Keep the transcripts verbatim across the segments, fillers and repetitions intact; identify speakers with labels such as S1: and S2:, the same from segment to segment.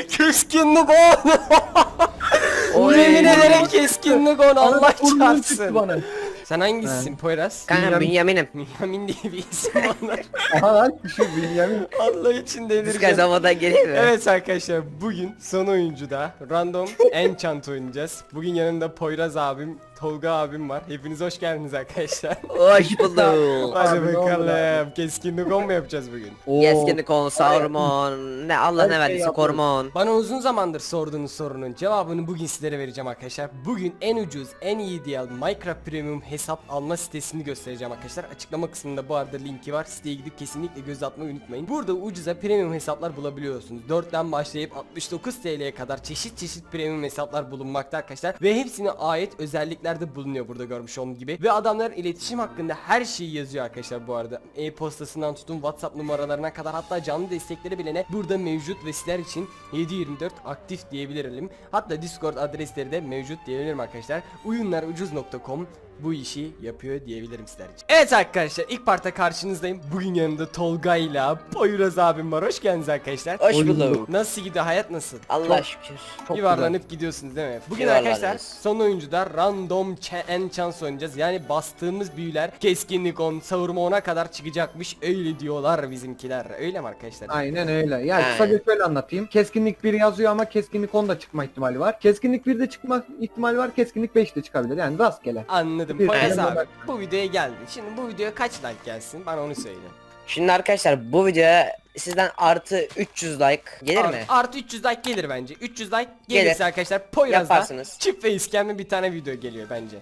S1: Keskinlik on.
S2: Oy.
S1: Yemin ederim keskinlik on. Allah
S3: Arada burnum çıktı
S1: çarpsın.
S3: bana.
S1: Sen hangisisin Poyraz?
S2: Kanka Bünyamin'im.
S1: Yamin diye bir isim var.
S3: Aha lan şu Bünyamin.
S1: Allah için
S2: Biz
S1: delireceğim.
S2: kazamadan geliyor mu?
S1: Evet arkadaşlar, bugün son oyuncuda random enchant oynayacağız. Bugün yanımda Poyraz abim, Tolga abim var. Hepiniz hoş geldiniz arkadaşlar.
S2: Hoş bulduk.
S1: Hadi
S3: Abi, ne oldu
S1: bakalım. Keskinlik on mu yapacağız bugün?
S3: Oo.
S2: Keskinlik on, savrumon, ne Allah
S3: Her
S2: ne
S3: şey
S2: verdiyse
S3: yapıyoruz.
S2: korumon.
S1: Bana uzun zamandır sorduğunuz sorunun cevabını bugün sizlere vereceğim arkadaşlar. Bugün en ucuz, en iyi diye Minecraft Premium hesap alma sitesini göstereceğim arkadaşlar. Açıklama kısmında bu arada linki var. Siteye gidip kesinlikle göz atmayı unutmayın. Burada ucuza premium hesaplar bulabiliyorsunuz. dörtten başlayıp altmış dokuz T L'ye kadar çeşit çeşit premium hesaplar bulunmakta arkadaşlar. Ve hepsine ait özellikler de bulunuyor burada görmüş olduğunuz gibi. Ve adamlar iletişim hakkında her şeyi yazıyor arkadaşlar bu arada. E-postasından tutun WhatsApp numaralarına kadar, hatta canlı destekleri bile ne burada mevcut ve sizler için yedi yirmi dört aktif diyebilirim. Hatta Discord adresleri de mevcut diyebilirim arkadaşlar. oyunlarucuz nokta com bu işi yapıyor diyebilirim sizler için. Evet arkadaşlar, ilk parta karşınızdayım. Bugün yanımda Tolga'yla Poyraz abim var. Hoş geldiniz arkadaşlar.
S2: Hoş
S3: Hoş
S2: bulduk.
S3: bulduk.
S1: Nasıl gidiyor, hayat nasıl?
S2: Allah şükür.
S3: Çok
S1: Yuvarlanıp gidiyorsunuz değil mi? Bugün
S2: Yuvarlanıyoruz.
S1: arkadaşlar son oyuncuda random enchant oynayacağız. Yani bastığımız büyüler keskinlik on, savurma ona kadar çıkacakmış. Öyle diyorlar bizimkiler. Öyle mi arkadaşlar?
S3: Aynen öyle. Ya
S2: Aynen.
S3: kısaca şöyle anlatayım. Keskinlik bir yazıyor ama keskinlik on da çıkma ihtimali var. Keskinlik bir de çıkma ihtimali var. Keskinlik beş de çıkabilir. Yani rastgele.
S1: Anladım.
S3: Bir
S1: Poyraz
S3: tane
S1: abi
S3: bak-
S1: bu videoya geldi. Şimdi bu videoya kaç like gelsin? Bana onu söyle.
S2: Şimdi arkadaşlar bu videoya sizden artı üç yüz like gelir
S1: Art-
S2: mi?
S1: Artı üç yüz like gelir bence. üç yüz like gelirse
S2: Gelir.
S1: arkadaşlar Poyraz'da
S2: Yaparsınız.
S1: çift ve iskemli bir tane video geliyor bence.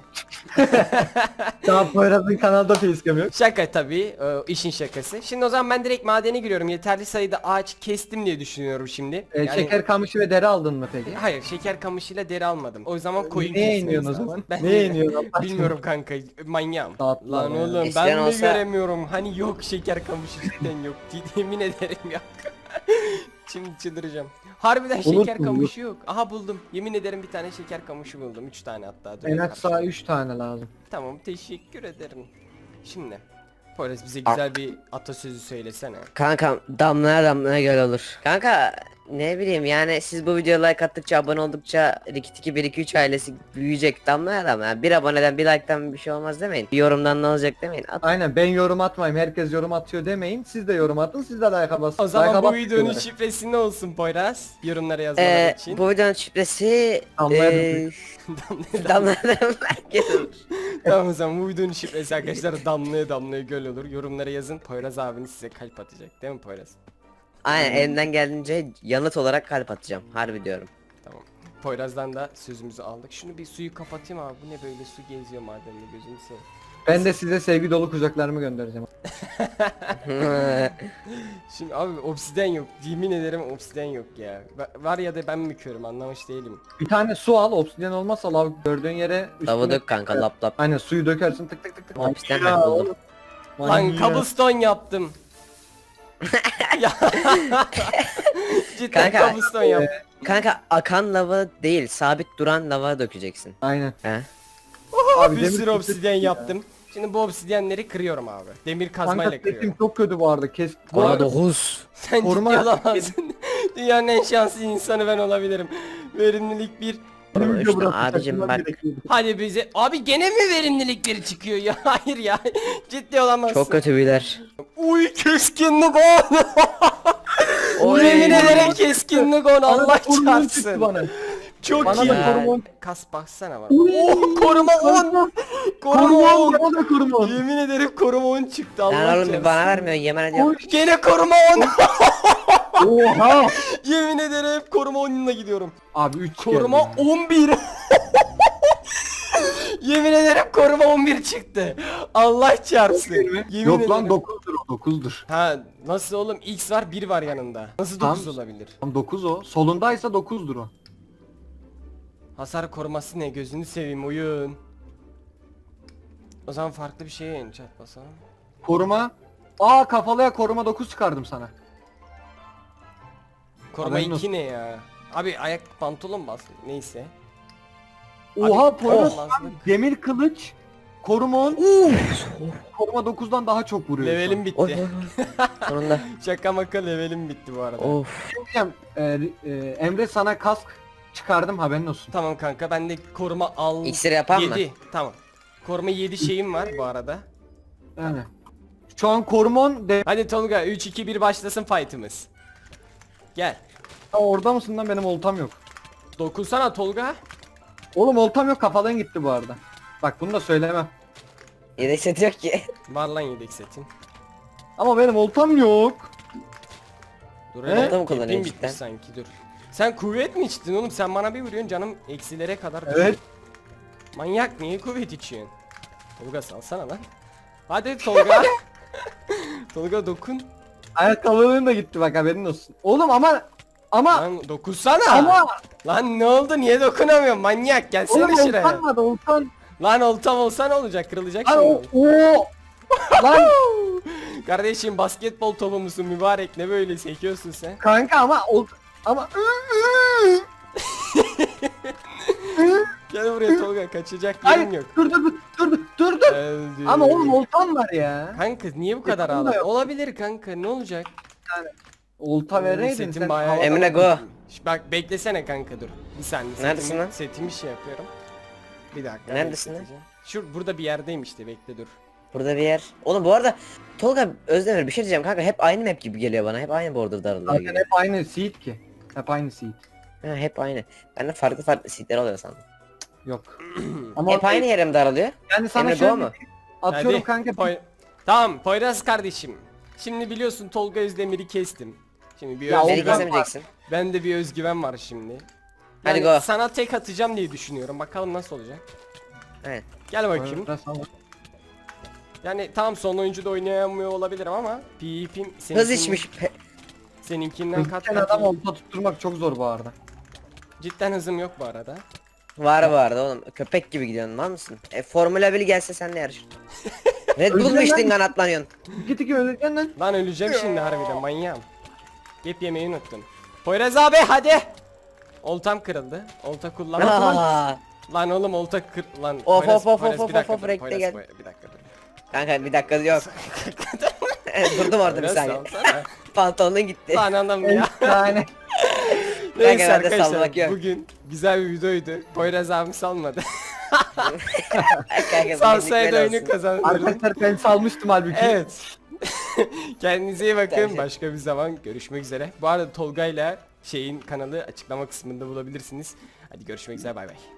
S3: Daha Poyraz'ın kanalda facecam yok.
S1: Şaka tabii, e, işin şakası. Şimdi o zaman ben direkt madene giriyorum. Yeterli sayıda ağaç kestim diye düşünüyorum şimdi.
S3: Ee,
S1: Yani-
S3: Şeker kamışı ve deri aldın mı peki?
S1: Hayır, şeker kamışıyla deri almadım. O zaman koyun
S3: Neye
S1: kesmemiz
S3: iniyorsun o
S1: lazım.
S3: zaman?
S1: Ben
S3: Neye iniyorsun Allah aşkına?
S1: bilmiyorum kanka, manyağım.
S3: Tatlılar
S1: Lan
S3: ya.
S1: oğlum
S2: Eskiden
S1: ben mi
S2: olsa-
S1: göremiyorum? Hani yok, şeker kamışı cidden yok. Yemin ederim yok. Şimdi çıldıracağım. Harbiden
S3: Olur
S1: şeker
S3: mu?
S1: kamışı yok. Aha buldum. Yemin ederim bir tane şeker kamışı buldum. Üç tane hatta. Dur
S3: En
S1: bakalım.
S3: az sağ üç tane lazım.
S1: Tamam, teşekkür ederim. Şimdi Poyraz bize güzel bir atasözü söylesene.
S2: Kanka damlaya damlaya göl olur. Kanka ne bileyim yani siz bu videoya like attıkça, abone oldukça Rikit iki bir iki üç ailesi büyüyecek damlaya damlaya. Bir aboneden bir like'tan bir şey olmaz demeyin. Bir yorumdan ne olacak demeyin. At.
S3: Aynen, ben yorum atmayayım, herkes yorum atıyor demeyin. Siz de yorum atın, siz de like'a basın.
S1: O zaman
S3: Like'a
S1: bu
S3: basın
S1: videonun
S3: diyorlar.
S1: şifresi ne olsun Poyraz? Yorumlara yazmaları
S2: Ee,
S1: için.
S2: bu videonun şifresi
S3: Damlaya
S2: ee, damlaya damlaya göl olur.
S1: Tamam, o zaman bu videonun şifresi arkadaşlar damlaya damlaya göl olur. Yorumlara yazın, Poyraz abiniz size kalp atacak değil mi Poyraz?
S2: Aynen elimden geldiğince yanıt olarak kalp atacağım. Harbi diyorum.
S1: Tamam. Poyraz'dan da sözümüzü aldık. Şunu bir suyu kapatayım abi. Bu ne böyle, su geziyor madende, gözünü seveyim.
S3: Ben de size sevgi dolu kucaklarımı göndereceğim.
S1: Şimdi abi obsiden yok. Yemin ederim obsiden yok ya. Va- Var ya da ben mi körüm, anlamış değilim.
S3: Bir tane su al, obsidyen olmazsa lav gördüğün yere
S2: Lavı dök kanka lap lap.
S3: Aynen, suyu dökersin, tık tık tık tık.
S2: Obsidyen
S3: Ya
S2: ben buldum.
S3: oğlum.
S1: Lan
S3: Manyak.
S1: cobblestone yaptım. Ya. Cidden
S2: Kanka,
S1: cobblestone yaptım.
S2: Kanka akan lava değil, sabit duran lava dökeceksin.
S3: Aynen.
S2: He?
S3: Abi
S1: Bir
S3: demir
S1: sürü
S3: kesin
S1: obsidyen
S3: ya.
S1: yaptım. Şimdi bu obsidyenleri kırıyorum abi. Demir kazmayla
S3: Kanka
S1: kırıyorum.
S3: sesim çok kötü bu arada. Kes. Bu
S2: Bana
S3: arada
S2: dokuz.
S1: Sen
S3: Koruma-
S1: ciddi olamazsın. Dünyanın en şanslı insanı ben olabilirim. Verimlilik bir.
S3: benim video
S2: İşte
S3: burası,
S2: abicim
S3: takılmam
S2: bak.
S3: gerekiyordu.
S1: Hadi bize. Abi gene mi verimlilik biri çıkıyor ya? Hayır ya. Ciddi olamazsın.
S2: Çok kötü beyler.
S1: Uy keskinlik on.
S2: Oy.
S1: Yemin ederim keskinlik on.
S3: Bana
S1: Allah
S3: da koruma çıktı
S1: çarpsın.
S3: bana.
S1: Çok
S3: Bana
S1: iyi.
S3: da koruma.
S1: Kas baksana var.
S3: Uy.
S1: Oh, koruma on. Koruma
S3: Koruma
S1: on.
S3: on. Bana da koruma on.
S1: Yemin ederim koruma on çıktı. Allah
S2: Lan oğlum bir
S1: çarpsın.
S2: bana vermiyorsun yemin ediyorum.
S1: Gene koruma on.
S3: Oha.
S1: Yemin ederim koruma onunla gidiyorum.
S3: Abi üç
S1: Koruma
S3: geldi.
S1: on bir. Yemin ederim koruma on bir çıktı. Allah çarpsın. Yemin
S3: Yok lan
S1: ederim.
S3: dokuzdur o, dokuzdur.
S1: Ha nasıl oğlum, X var, bir var yanında. Nasıl
S3: Tam-
S1: dokuz olabilir?
S3: Tam dokuz o. Solundaysa dokuzdur o.
S1: Hasar koruması ne, gözünü seveyim oyun. O zaman farklı bir şeye enchant basalım.
S3: Koruma. Aa, kafalıya koruma dokuz çıkardım sana.
S1: Koruma
S3: Haberin
S1: iki
S3: olsun.
S1: ne ya? Abi ayak pantolon bas neyse.
S3: Oha,
S1: Abi,
S3: Poyraz
S1: olmazlık.
S3: demir kılıç koruma on. Koruma dokuzdan daha çok vuruyor. şu an.
S1: Levelim
S2: Oy
S1: bitti.
S2: oy oy. Sonunda.
S1: Şaka maka levelim bitti bu arada.
S2: Of.
S3: Diyeceğim, e, e, Emre sana kask çıkardım, haberin olsun.
S1: Tamam kanka ben de koruma al.
S2: İksir yapan mı?
S1: yedi. Tamam. Koruma yedi şeyim var bu arada.
S3: Yani. Şu an koruma on de...
S1: Hadi Tolga üç iki bir başlasın fight'ımız. Gel.
S3: Aa, orada mısın lan, benim oltam yok.
S1: Dokunsana Tolga.
S3: Oğlum oltam yok, kafadan gitti bu arada. Bak bunu da söylemem.
S2: Yedek seti yok ki.
S1: Var lan yedek setin.
S3: Ama benim oltam yok.
S1: Dur
S3: He?
S1: hele.
S2: Orada mı
S1: ipin
S2: kullanıyorsun
S1: bitmiş
S2: cidden?
S1: sanki dur. Sen kuvvet mi içtin oğlum? Sen bana bir vuruyorsun canım eksilere kadar düşüyor.
S3: Evet.
S1: Manyak niye kuvvet içiyorsun? Tolga salsana lan. Hadi Tolga. Tolga dokun.
S3: Ayakkabılığın da gitti bak, haberin olsun. Oğlum ama ama
S1: Lan dokunsana.
S3: ama
S1: Lan ne oldu niye dokunamıyorum manyak gelsene
S3: oğlum
S1: şuraya.
S3: oltan vardı, oltan.
S1: Lan oltam olsa ne olacak kırılacak
S3: Lan o,
S1: şimdi.
S3: o. Lan
S1: Kardeşim basketbol topu musun mübarek ne böyle sekiyorsun sen?
S3: kanka ama ol ama
S1: Gel buraya Tolga kaçacak
S3: Hayır,
S1: yerim yok.
S3: dur dur dur dur dur dur.
S1: Öldü.
S3: Ama oğlum oltan var ya.
S1: Kanka niye bu kadar
S3: Yakında
S1: ağladın?
S3: yok.
S1: Olabilir kanka ne olacak?
S3: Olta vereydin
S1: Setim
S3: sen.
S1: bayağı-
S3: havada-
S2: Emre go.
S1: Şş, Bak beklesene kanka dur. Bir saniye.
S2: Neredesin
S1: setimi,
S2: lan?
S1: Setimi şey yapıyorum. Bir dakika.
S2: Neredesin lan?
S1: bekleteceğim. Şu burada bir yerdeyim işte bekle dur.
S2: Burada bir yer. Oğlum bu arada Tolga Özdemir bir şey diyeceğim kanka, hep aynı map gibi geliyor bana. Hep aynı border daralıyor
S3: Zaten
S2: gibi.
S3: hep aynı seed ki. Hep aynı seed.
S2: Ha, hep aynı. Ben de farklı farklı seatler oluyor sandım.
S3: Yok. Ama
S2: Hep aynı yere mi daralıyor?
S3: yani sana
S2: Emre
S3: şöyle
S2: go mu?
S3: atıyorum
S1: Hadi,
S3: kanka.
S1: Poy- tamam Poyraz kardeşim. Şimdi biliyorsun Tolga Özdemir'i kestim. Şimdi bir
S3: Ya,
S1: özgüven.
S2: Beni
S3: Olmaz.
S2: kesemeyeceksin.
S1: Ben de bir özgüven var şimdi.
S2: Hadi
S1: Yani
S2: go.
S1: sana tek atacağım diye düşünüyorum. Bakalım nasıl olacak.
S2: Evet.
S1: Gel bakayım.
S3: Biraz sana-
S1: Yani tam son oyuncu da oynayamıyor olabilirim ama PvP'm
S2: Hız
S1: seninkinin-
S2: içmiş. Pe-
S1: Seninkinden kat
S3: Hızlıken
S1: kat
S3: adam
S1: iyi.
S3: olta tutturmak çok zor bu arada.
S1: Cidden hızım yok bu arada.
S2: Var bu arada oğlum. Köpek gibi gidiyorsun, mal mısın? E, Formula bir gelse sen de yarış. Red Bull mu
S3: Özlem
S2: içtin
S3: lan.
S2: kanatlanıyorsun?
S3: Git iki öleceksin lan.
S1: Lan öleceğim şimdi harbiden manyağım. Gep yemeyi unuttum. Poyraz abi hadi. Oltam kırıldı. Olta kullanmadım.
S2: Aa,
S1: Lan oğlum olta kır... Lan
S2: Of,
S1: Poyraz-
S2: of, of,
S1: Poyraz,
S2: of,
S1: bir dakika
S2: of,
S1: dur,
S2: renkte
S1: Poyraz,
S2: gel.
S1: Poyraz, bir dakika dur.
S2: kanka bir dakika yok. Durdum orada bir
S1: Poyraz,
S2: saniye.
S1: salsana.
S2: Pantolonun gitti.
S1: Lan adam
S3: Bir
S1: ya.
S3: tane.
S1: Neyse
S2: bende
S1: arkadaşlar
S2: salmak yok.
S1: bugün güzel bir videoydu. Poyraz abi salmadı.
S2: Kanka,
S1: Salsaydı
S2: bugünlük böyle
S1: oyunu
S2: olsun.
S1: kazanırdım.
S3: Arkadaşlar ben salmıştım halbuki.
S1: Evet. Kendinize iyi bakın.
S2: Bence.
S1: Başka bir zaman görüşmek üzere. Bu arada Tolga'yla şeyin kanalı açıklama kısmında bulabilirsiniz. Hadi görüşmek üzere bay bay.